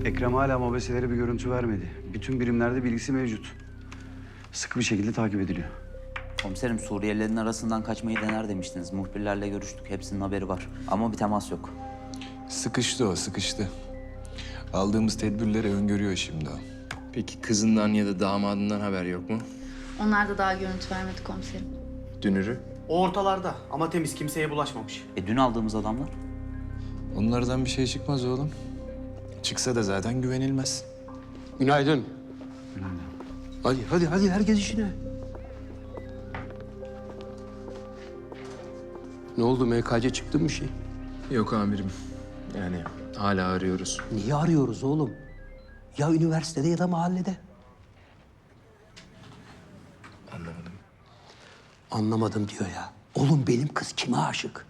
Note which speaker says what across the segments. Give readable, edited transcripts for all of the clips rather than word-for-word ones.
Speaker 1: Ekrem hala mobeselere bir görüntü vermedi. Bütün birimlerde bilgisi mevcut. Sıkı bir şekilde takip ediliyor.
Speaker 2: Komiserim, Suriyelilerin arasından kaçmayı dener demiştiniz. Muhbirlerle görüştük. Hepsinin haberi var. Ama bir temas yok.
Speaker 3: Sıkıştı o, sıkıştı. Aldığımız tedbirleri öngörüyor şimdi o.
Speaker 4: Peki kızından ya da damadından haber yok mu?
Speaker 5: Onlar da daha görüntü vermedi komiserim.
Speaker 4: Dünürü?
Speaker 6: O ortalarda ama temiz, kimseye bulaşmamış.
Speaker 2: Dün aldığımız adamlar?
Speaker 3: Onlardan bir şey çıkmaz oğlum. Çıksa da zaten güvenilmez.
Speaker 7: Günaydın. Hadi herkes işine. Ne oldu, MKC çıktı mı bir şey?
Speaker 4: Yok amirim. Yani hala arıyoruz.
Speaker 7: Niye arıyoruz oğlum? Ya üniversitede ya da mahallede.
Speaker 4: Anlamadım.
Speaker 7: Anlamadım diyor ya. Oğlum benim kız kime aşık?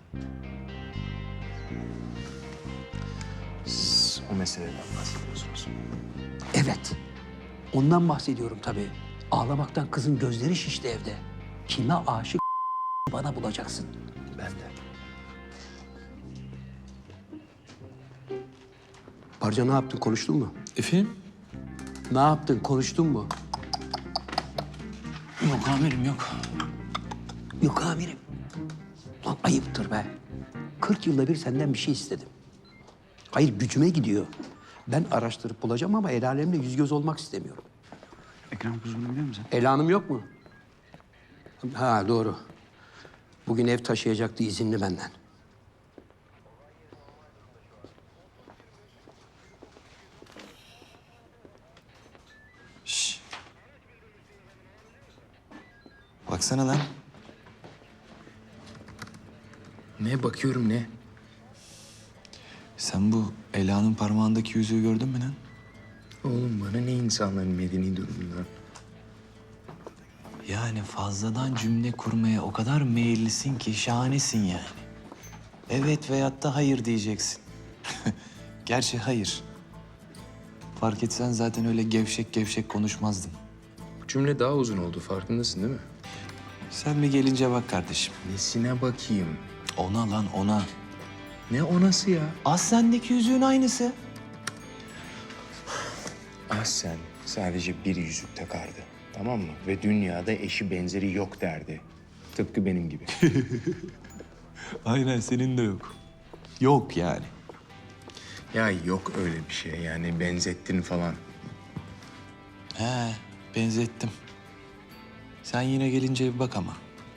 Speaker 4: Siz o meseleden bahsediyorsunuz.
Speaker 7: Evet. Ondan bahsediyorum tabii. Ağlamaktan kızın gözleri şişti evde. Kime aşık bana bulacaksın.
Speaker 4: Ben de.
Speaker 7: Barca ne yaptın, konuştun mu?
Speaker 3: Efendim?
Speaker 7: Ne yaptın, konuştun mu?
Speaker 3: Yok amirim yok.
Speaker 7: Yok amirim. Lan ayıptır be. 40 yılda bir senden bir şey istedim. Hayır, gücüme gidiyor. Ben araştırıp bulacağım ama el alemle yüz göz olmak istemiyorum.
Speaker 1: Ekrem Kuzgun'u biliyor musun?
Speaker 7: El Hanım yok mu? Ha doğru. Bugün ev taşıyacaktı, izinli benden.
Speaker 3: Şş. Baksana lan.
Speaker 4: Ne bakıyorum ne?
Speaker 3: Sen bu Ela'nın parmağındaki yüzüğü gördün mü lan?
Speaker 4: Oğlum bana ne insanların medeni durumundan?
Speaker 3: Yani fazladan cümle kurmaya o kadar meyillisin ki şahanesin yani. Evet veyahut da hayır diyeceksin. Gerçi hayır. Fark etsen zaten öyle gevşek gevşek konuşmazdın.
Speaker 4: Bu cümle daha uzun oldu, farkındasın değil mi?
Speaker 3: Sen bir gelince bak kardeşim.
Speaker 4: Nesine bakayım?
Speaker 3: Ona lan ona.
Speaker 4: Ne onası ya?
Speaker 3: Aslen'deki yüzüğün aynısı.
Speaker 4: Ahsen sadece bir yüzük takardı. Tamam mı? Ve dünyada eşi benzeri yok derdi. Tıpkı benim gibi.
Speaker 3: Aynen senin de yok. Yok yani.
Speaker 4: Ya yok öyle bir şey yani, benzettin falan.
Speaker 3: He benzettim. Sen yine gelince bir bak ama.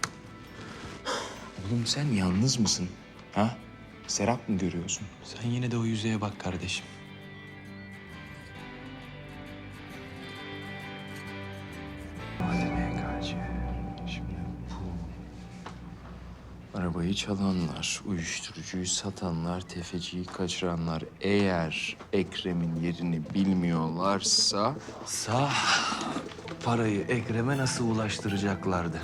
Speaker 4: Oğlum sen yalnız mısın? Ha? Serap mı görüyorsun?
Speaker 3: Sen yine de o yüzeye bak kardeşim.
Speaker 4: Hadi MKC. Şimdi bu... Arabayı çalanlar, uyuşturucuyu satanlar, tefeciyi kaçıranlar eğer Ekrem'in yerini bilmiyorlarsa...
Speaker 3: Parayı Ekrem'e nasıl ulaştıracaklardı?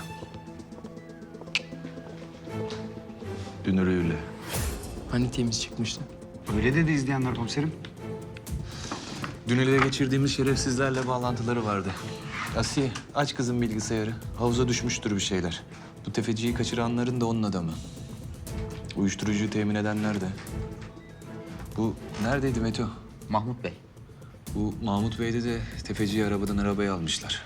Speaker 3: Dünürüyle.
Speaker 4: Hani temiz çıkmıştı?
Speaker 1: Öyle dedi izleyenler komiserim.
Speaker 3: Dün ele geçirdiğimiz şerefsizlerle bağlantıları vardı. Asiye, aç kızın bilgisayarı. Havuza düşmüştür bir şeyler. Bu tefeciyi kaçıranların da onun adamı. Uyuşturucuyu temin edenler de. Bu neredeydi Meto?
Speaker 2: Mahmut Bey.
Speaker 3: Bu Mahmut Bey'de de tefeciyi arabadan arabaya almışlar.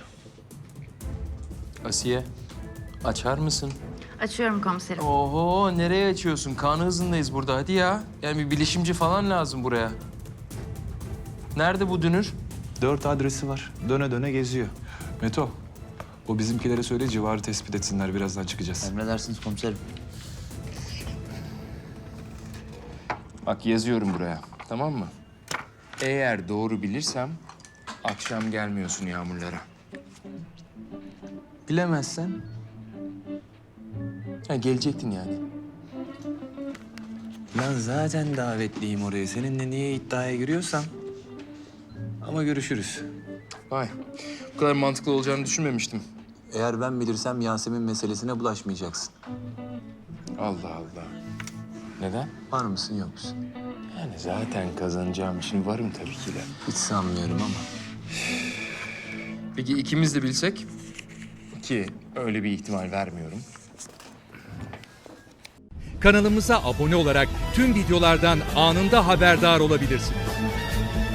Speaker 4: Asiye, açar mısın?
Speaker 5: Açıyorum komiserim.
Speaker 4: Oho, nereye açıyorsun? Kan hızındayız burada, hadi ya. Yani bir bilişimci falan lazım buraya. Nerede bu dünür?
Speaker 3: 4 adresi var. Döne döne geziyor. Meto, o bizimkilere söyle civarı tespit etsinler. Birazdan çıkacağız.
Speaker 2: Emredersiniz komiserim.
Speaker 4: Bak yazıyorum buraya, tamam mı? Eğer doğru bilirsem akşam gelmiyorsun Yağmurlara.
Speaker 3: Bilemezsen
Speaker 4: Ha, gelecektin yani.
Speaker 3: lan zaten davetliyim oraya. Seninle niye iddiaya giriyorsam. Ama görüşürüz.
Speaker 4: Vay, bu kadar mantıklı olacağını düşünmemiştim.
Speaker 3: Eğer ben bilirsem Yasemin meselesine bulaşmayacaksın.
Speaker 4: Allah Allah. Neden?
Speaker 3: Var mısın yok musun?
Speaker 4: Yani zaten kazanacağım için varım tabii ki de.
Speaker 3: Hiç sanmıyorum ama.
Speaker 4: Peki ikimiz de bilsek? Ki öyle bir ihtimal vermiyorum.
Speaker 8: Kanalımıza abone olarak tüm videolardan anında haberdar olabilirsiniz.